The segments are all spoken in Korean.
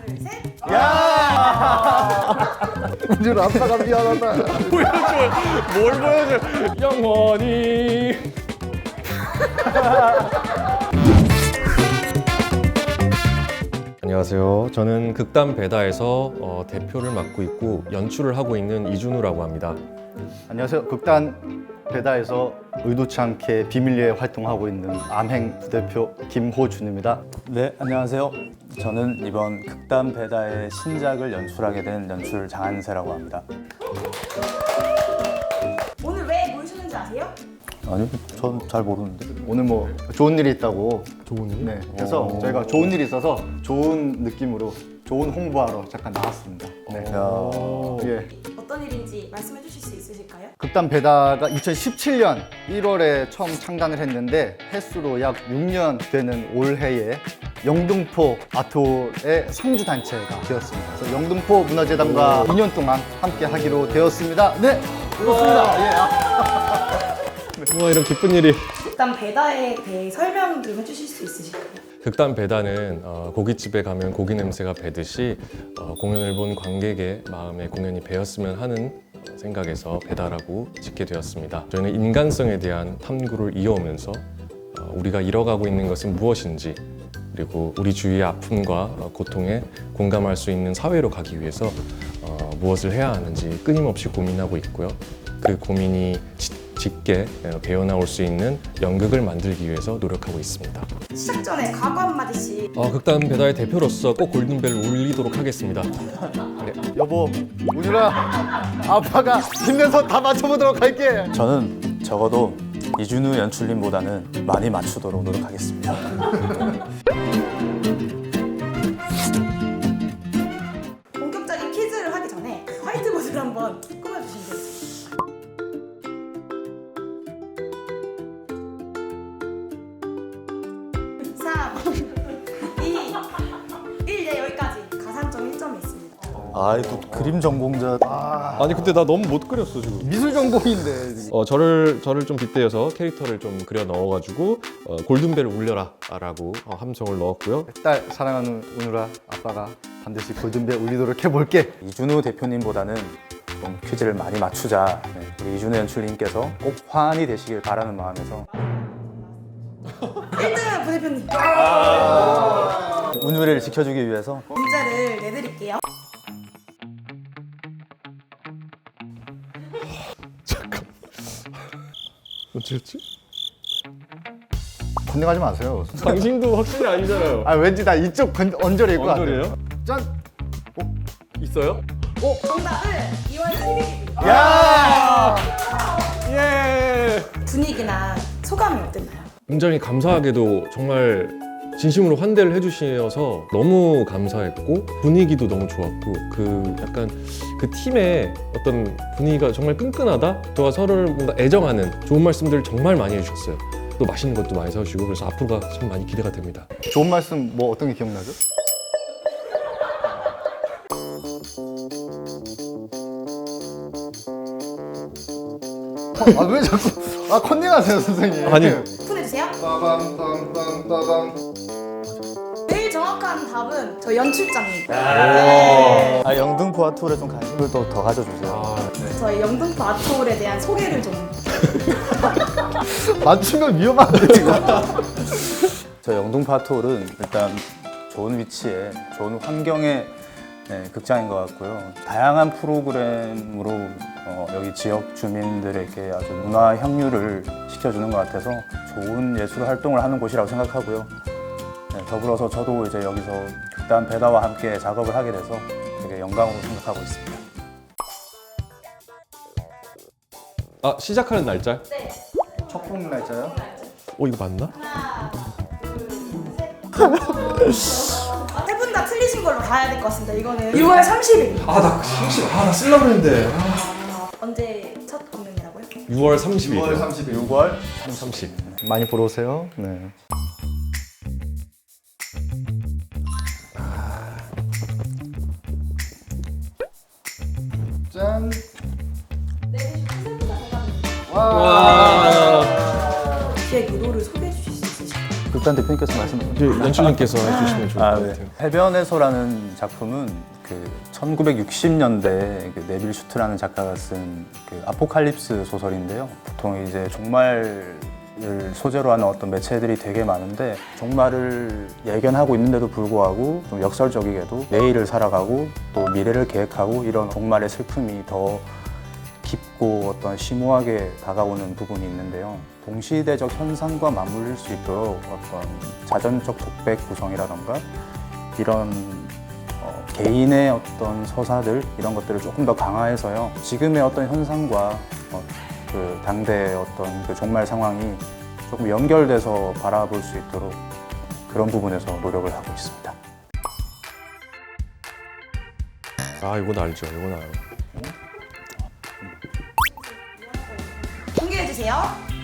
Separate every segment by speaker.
Speaker 1: 둘, 셋.
Speaker 2: 은준 아빠가 미안하다.
Speaker 3: 보여줘. 뭘 보여줘. 영원히. 안녕하세요. 저는 극단 배다에서 대표를 맡고 있고 연출을 하고 있는 이준우라고 합니다.
Speaker 2: 안녕하세요. 극단 배다에서 의도치 않게 비밀리에 활동하고 있는 암행 부대표 김호준입니다.
Speaker 4: 네, 안녕하세요. 저는 이번 극단 배다의 신작을 연출하게 된 연출 장한세라고 합니다.
Speaker 1: 오늘 왜 모이셨는지 아세요?
Speaker 4: 아니요, 전 잘 모르는데.
Speaker 2: 오늘 뭐 좋은 일이 있다고.
Speaker 3: 좋은 일?
Speaker 2: 네. 그래서 저희가 좋은 일이 있어서 좋은 느낌으로 좋은 홍보하러 잠깐 나왔습니다. 네. 예.
Speaker 1: 어떤 일인지 말씀해 주실 수 있으실까요?
Speaker 2: 극단 배다가 2017년 1월에 처음 창단을 했는데 횟수로 약 6년 되는 올해에 영등포 아트홀의 상주 단체가 되었습니다. 그래서 영등포 문화재단과 2년 동안 함께 하기로 되었습니다. 네, 그렇습니다. 예.
Speaker 3: 와, 이런 기쁜 일이.
Speaker 1: 일단 배다에 대해 설명 좀 해주실 수 있으실까요?
Speaker 3: 극단 배다는 고깃집에 가면 고기 냄새가 배듯이 공연을 본 관객의 마음에 공연이 배었으면 하는 생각에서 배다라고 짓게 되었습니다. 저희는 인간성에 대한 탐구를 이어오면서 우리가 잃어가고 있는 것은 무엇인지, 그리고 우리 주위의 아픔과 고통에 공감할 수 있는 사회로 가기 위해서 무엇을 해야 하는지 끊임없이 고민하고 있고요. 그 고민이 짙게 배어나올 수 있는 연극을 만들기 위해서 노력하고 있습니다.
Speaker 1: 시작 전에 각오 한마디씩.
Speaker 3: 극단 배다의 대표로서 꼭 골든벨을 울리도록 하겠습니다.
Speaker 2: 여보, 운율아, 아빠가 힘내서 다 맞춰보도록 할게.
Speaker 4: 저는 적어도 이준우 연출님보다는 많이 맞추도록 노력하겠습니다.
Speaker 1: 본격적인 퀴즈를 하기 전에 화이트보드를 한번 꾸며주시면 돼요. 3, 2, 1, 네, 여기까지 가산점 1점이 있습니다.
Speaker 4: 아이, 또 그림 전공자.
Speaker 3: 아니 근데 나 너무 못 그렸어 지금.
Speaker 2: 미술 전공인데.
Speaker 3: 저를 좀 빗대어서 캐릭터를 좀 그려 넣어가지고 골든벨을 울려라라고 함성을 넣었고요.
Speaker 2: 딸 사랑하는 운율아, 아빠가 반드시 골든벨 울리도록 해볼게.
Speaker 4: 이준우 대표님보다는 좀 퀴즈를 많이 맞추자. 네, 우리 이준우 연출님께서 꼭 화환이 되시길 바라는 마음에서
Speaker 1: 1등 부대표님
Speaker 4: 운율을 지켜주기 위해서
Speaker 1: 문제를 내드릴게요.
Speaker 3: 어찌였지?
Speaker 2: 건너가지 마세요.
Speaker 3: 당신도 확실히 아니잖아요.
Speaker 2: 아, 왠지 나 이쪽 언저리일 것 같아.
Speaker 3: 언저리예요?
Speaker 2: 짠!
Speaker 3: 있어요?
Speaker 1: 정답은 2월 10일입니다.
Speaker 2: 야!
Speaker 3: 예.
Speaker 1: 분위기나 소감이 어땠나요?
Speaker 3: 굉장히 감사하게도 정말 진심으로 환대를 해주셔서 너무 감사했고 분위기도 너무 좋았고 그 약간 그 팀의 어떤 분위기가 정말 끈끈하다. 또 서로를 뭔가 애정하는 좋은 말씀들 정말 많이 해주셨어요. 또 맛있는 것도 많이 사주시고 그래서 앞으로가 참 많이 기대가 됩니다.
Speaker 2: 좋은 말씀 뭐 어떤 게 기억나죠? 아, 왜 자꾸 컨닝하세요, 선생님?
Speaker 3: 아니.
Speaker 1: 오픈해주세요.
Speaker 2: 빠밤빰빰빠밤.
Speaker 1: 제일 정확한 답은 저 연출장입니다. 네.
Speaker 4: 영등포 아트홀에 좀 관심을 또 더 가져주세요.
Speaker 1: 저희 영등포 아트홀에 대한 소개를 좀.
Speaker 2: 맞추면 위험한데, 지금.
Speaker 4: 저희 영등포 아트홀은 일단 좋은 위치에 좋은 환경의 극장인 것 같고요. 다양한 프로그램으로 여기 지역 주민들에게 아주 문화 향유를 시켜주는 것 같아서 좋은 예술 활동을 하는 곳이라고 생각하고요. 더불어서 저도 이제 여기서 극단 배다와 함께 작업을 하게 돼서 되게 영광으로 생각하고 있습니다.
Speaker 3: 시작하는 날짜?
Speaker 1: 네.
Speaker 2: 첫 공 날짜요?
Speaker 3: 이거 맞나?
Speaker 1: 하나, 둘, 셋. 세 분 다 틀리신 걸로 가야 될 것 같습니다. 이거는 6월 30일.
Speaker 3: 나 쓰려고 했는데.
Speaker 1: 언제 첫 공연이라고요?
Speaker 3: 6월 30일.
Speaker 2: 6월 30일.
Speaker 4: 6월
Speaker 3: 30.
Speaker 2: 많이 보러 오세요. 네. 짠.
Speaker 1: 기획 의도를 소개해 주실 수 있으실까요?
Speaker 4: 극단 대표님께서 말씀해
Speaker 3: 이제 연출님께서 해주시면 좋을 것 같아요.
Speaker 4: 해변에서라는 작품은 그 1960년대 그 네빌 슈트라는 작가가 쓴 그 아포칼립스 소설인데요. 보통 이제 종말을 소재로 하는 어떤 매체들이 되게 많은데 종말을 예견하고 있는데도 불구하고 좀 역설적이게도 내일을 살아가고 또 미래를 계획하고 이런 종말의 슬픔이 더 깊고 어떤 심오하게 다가오는 부분이 있는데요. 동시대적 현상과 맞물릴 수 있도록 어떤 자전적 독백 구성이라던가 이런 개인의 어떤 서사들 이런 것들을 조금 더 강화해서요. 지금의 어떤 현상과 그 당대의 어떤 그 종말 상황이 조금 연결돼서 바라볼 수 있도록 그런 부분에서 노력을 하고 있습니다.
Speaker 3: 아, 이건 알죠. 이건 알아요.
Speaker 1: 공개해 주세요.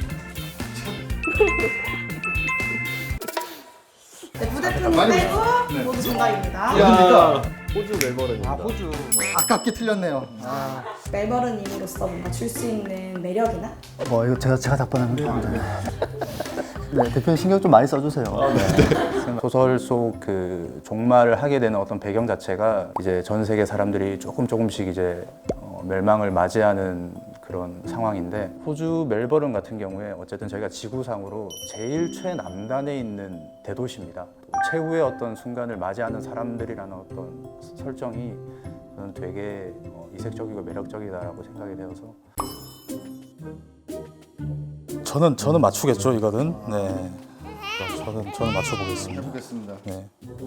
Speaker 1: 네, 부대표님 빼고 모두 정답입니다.
Speaker 2: 야,
Speaker 3: 호주 멜버른입니다.
Speaker 2: 호주. 아깝게 틀렸네요.
Speaker 1: 멜버른님으로서 뭔가 줄 수 있는 매력이나
Speaker 4: 이거 제가 답변하면 됩니다. 네, 대표님 신경 좀 많이 써주세요. 소설 속 그 종말을 하게 되는 어떤 배경 자체가 이제 전 세계 사람들이 조금씩 이제 멸망을 맞이하는 그런 상황인데 호주 멜버른 같은 경우에 어쨌든 저희가 지구상으로 제일 최남단에 있는 대도시입니다. 최후의 어떤 순간을 맞이하는 사람들이라는 어떤 설정이 저는 되게 이색적이고 매력적이다라고 생각이 되어서 저는 맞추겠죠 이거는. 네. 저는 맞춰보겠습니다.
Speaker 2: 보겠습니다.
Speaker 4: 네.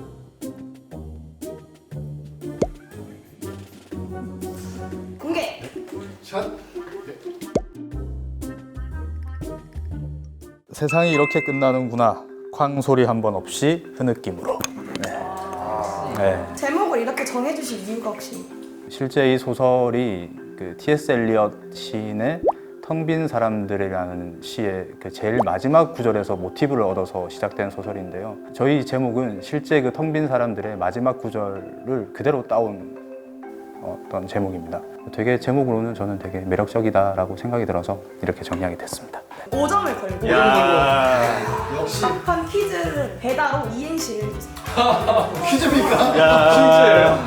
Speaker 1: 공개.
Speaker 2: 샷.
Speaker 4: 세상이 이렇게 끝나는구나. 쾅 소리 한 번 없이 흐느낌으로. 네.
Speaker 1: 제목을 이렇게 정해주신 이유가 혹시?
Speaker 4: 실제 이 소설이 그 T.S. 엘리엇 시인의 텅 빈 사람들이라는 시의 그 제일 마지막 구절에서 모티브를 얻어서 시작된 소설인데요. 저희 제목은 실제 그 텅 빈 사람들의 마지막 구절을 그대로 따온 어떤 제목입니다. 되게 제목으로는 저는 되게 매력적이다라고 생각이 들어서 이렇게 정리하게 됐습니다.
Speaker 1: 5점을 걸고
Speaker 2: 역시
Speaker 1: 팝판 퀴즈를 배다로 이행시를 해주세요.
Speaker 2: 퀴즈입니까?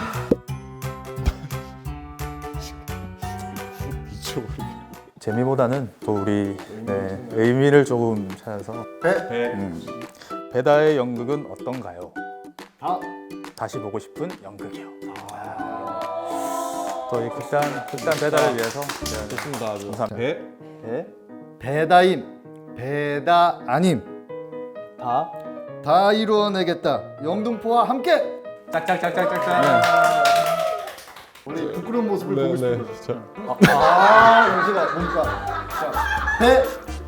Speaker 4: 재미보다는 또 우리 의미를 조금 찾아서 배다의 연극은 어떤가요? 다시 보고 싶은 연극이요. 또 이 극단 배다를 위해서
Speaker 3: 좋습니다. 아주.
Speaker 4: 감사합니다. 배,
Speaker 2: 배다임, 배다 아님,
Speaker 4: 다,
Speaker 2: 다 이루어내겠다. 영등포와 함께.
Speaker 4: 짝짝짝짝짝짝.
Speaker 2: 우리 부끄러운 모습을 보고 싶은 거죠.
Speaker 3: 자,
Speaker 2: 영시가 뭡니까? 자, 배,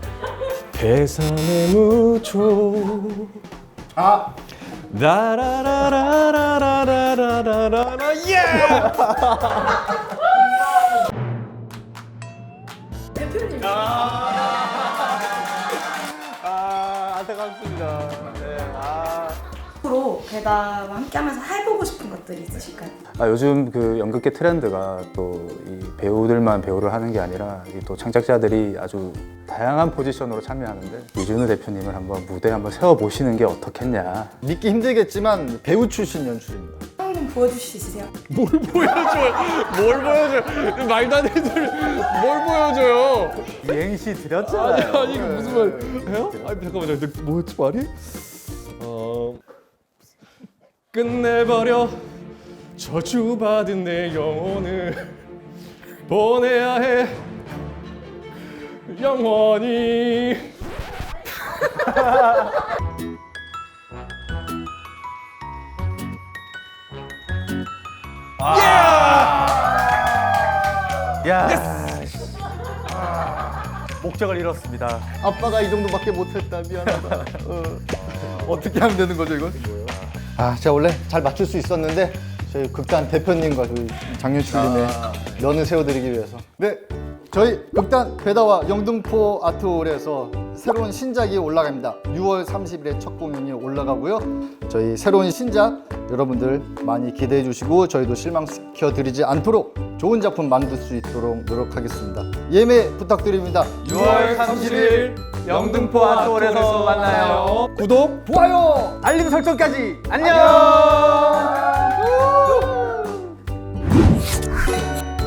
Speaker 3: 계산의 무초
Speaker 2: 다,
Speaker 3: 라라라라라라라라라라 예!
Speaker 1: 대표님.
Speaker 4: 안타깝습니다. 네,
Speaker 1: 앞으로 배다와 함께하면서 해보고 싶은 것들이 있으실까요?
Speaker 4: 요즘 그 연극계 트렌드가 또 이 배우들만 배우를 하는 게 아니라 이또 창작자들이 아주 다양한 포지션으로 참여하는데 이준우 대표님을 한번 무대에 한번 세워 보시는 게 어떻겠냐.
Speaker 2: 믿기 힘들겠지만 배우 출신 연출입니다.
Speaker 1: 한번 보여주실 수 있으세요?
Speaker 3: 뭘 보여줘요? 말도 안 되는 소리 뭘 보여줘요?
Speaker 4: 이행시 드렸잖아요.
Speaker 3: 아니 이거 무슨 말이에요? 아니 잠깐만요. 뭐였지 말이? 끝내버려 저주받은 내 영혼을 보내야 해 영원히.
Speaker 4: 야, 목적을 잃었습니다.
Speaker 2: 아빠가 이 정도밖에 못했다. 미안하다. 어떻게 하면 되는 거죠, 이건? 제가 원래 잘 맞출 수 있었는데 저희 극단 대표님과 저희 장윤출님의 면을 세워드리기 위해서. 네, 저희 극단 배다와 영등포 아트홀에서 새로운 신작이 올라갑니다. 6월 30일에 첫 공연이 올라가고요. 저희 새로운 신작 여러분들 많이 기대해 주시고 저희도 실망시켜 드리지 않도록 좋은 작품 만들 수 있도록 노력하겠습니다. 예매 부탁드립니다.
Speaker 3: 6월 30일
Speaker 4: 영등포 아트홀에서 만나요.
Speaker 2: 구독, 좋아요, 알림 설정까지. 안녕.